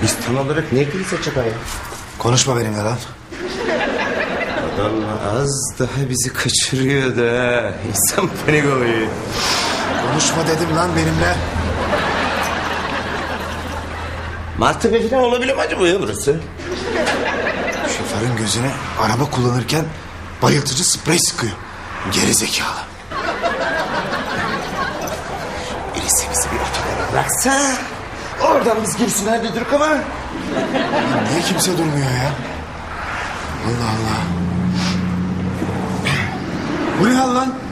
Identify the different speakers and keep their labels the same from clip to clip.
Speaker 1: Biz tam olarak ne ilgili acaba ya?
Speaker 2: Konuşma benimle lan.
Speaker 1: Adam az daha bizi kaçırıyordu ha. İnsan panik oluyor.
Speaker 2: Konuşma dedim lan benimle.
Speaker 1: Maltepe falan olabilir mi acaba ya burası?
Speaker 2: Şoförün gözüne araba kullanırken bayıltıcı sprey sıkıyor. Geri zekalı.
Speaker 1: Birisi bizi bir otobana bıraksa... Oradan biz girsin hadi Dürk ama.
Speaker 2: Niye kimse durmuyor ya? Allah Allah. Bu ne hal lan?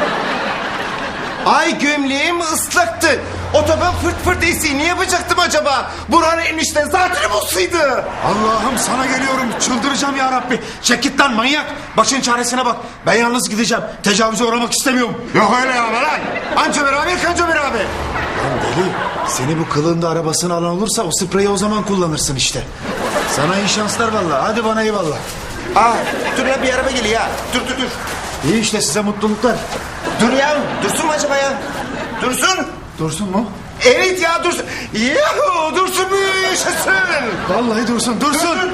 Speaker 1: Ay gömleğim ıslaktı. Otoban fırt fırt esiyor. Ne yapacaktım acaba? Burhan enişte zatürre bulsaydı.
Speaker 2: Allah'ım sana geliyorum. Çıldıracağım ya Rabbi. Çek git lan manyak. Başın çaresine bak. Ben yalnız gideceğim. Tecavüze uğramak istemiyorum.
Speaker 1: Yok öyle ya lan. Anca beraber kanca beraber.
Speaker 2: Lan deli. Seni bu kılığında arabasını alan olursa o spreyi o zaman kullanırsın işte. Sana iyi şanslar vallahi. Hadi bana eyvallah.
Speaker 1: Aa, dur ya bir araba geliyor ya. Dur.
Speaker 2: İyi işte size mutluluklar.
Speaker 1: Dur ya. Dursun mu acaba ya? Dursun.
Speaker 2: Dursun mu?
Speaker 1: Evet ya dursun. Yahu dursun mu yaşasın.
Speaker 2: Vallahi dursun. Dursun.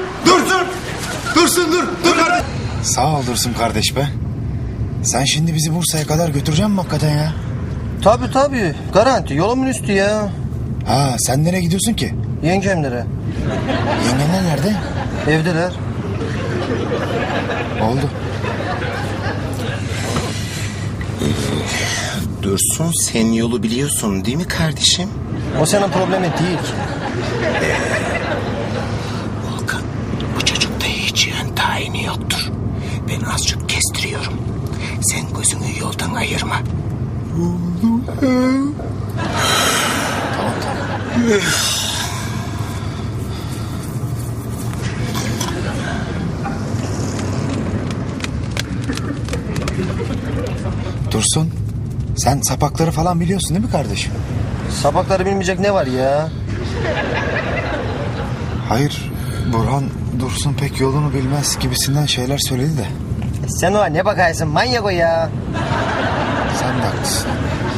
Speaker 2: Dur kardeş. Sağ ol Dursun kardeş be. Sen şimdi bizi Bursa'ya kadar götüreceksin mi hakikaten ya?
Speaker 3: Tabii. Garanti. Yolumun üstü ya.
Speaker 2: Ha sen nereye gidiyorsun ki?
Speaker 3: Yengemlere.
Speaker 2: Yengenler nerede?
Speaker 3: Evdeler.
Speaker 2: Oldu.
Speaker 1: Dursun sen yolu biliyorsun değil mi kardeşim?
Speaker 3: O senin problemin değil ki.
Speaker 1: Volkan bu çocukta hiç yön tayini yoktur. Ben azıcık kestiriyorum. Sen gözünü yoldan ayırma.
Speaker 2: Dursun. Sen sapakları falan biliyorsun değil mi kardeşim?
Speaker 3: Sapakları bilmeyecek ne var ya?
Speaker 2: Hayır. Burhan Dursun pek yolunu bilmez gibisinden şeyler söyledi de.
Speaker 3: Sen o ne bakarsın manyak o ya.
Speaker 2: Sen de haklısın.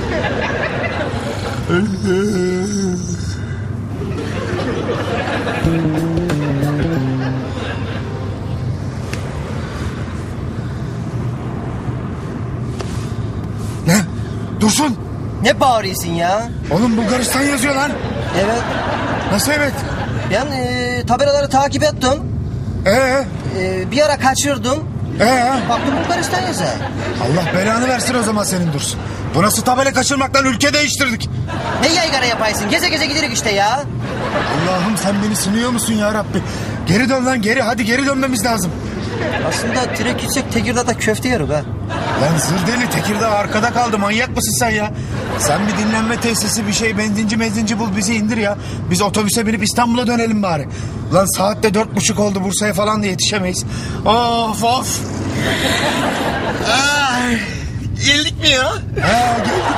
Speaker 2: Ne? Dursun!
Speaker 3: Ne bağırıyorsun ya?
Speaker 2: Oğlum Bulgaristan yazıyor lan.
Speaker 3: Evet.
Speaker 2: Nasıl evet?
Speaker 3: Ben tabelaları takip ettim. Bir ara kaçırdım. Baktım Bulgaristan yazar.
Speaker 2: Allah belanı versin o zaman senin Dursun. Bu nasıl tabela kaçırmaktan ülke değiştirdik.
Speaker 3: Ne yaygara yaparsın? Geze geze giderik işte ya.
Speaker 2: Allah'ım sen beni sınıyor musun ya Rabbi? Geri dön lan geri. Hadi geri dönmemiz lazım.
Speaker 3: Aslında direkt gitsek Tekirdağ'da köfte yeriz ha.
Speaker 2: Lan zır deli Tekirdağ arkada kaldı. Manyak mısın sen ya? Sen bir dinlenme tesisi bir şey benzinci bul bizi indir ya. Biz otobüse binip İstanbul'a dönelim bari. Lan saatte 4:30 oldu Bursa'ya falan da yetişemeyiz. Of.
Speaker 1: Geldik mi ya?
Speaker 2: Geldik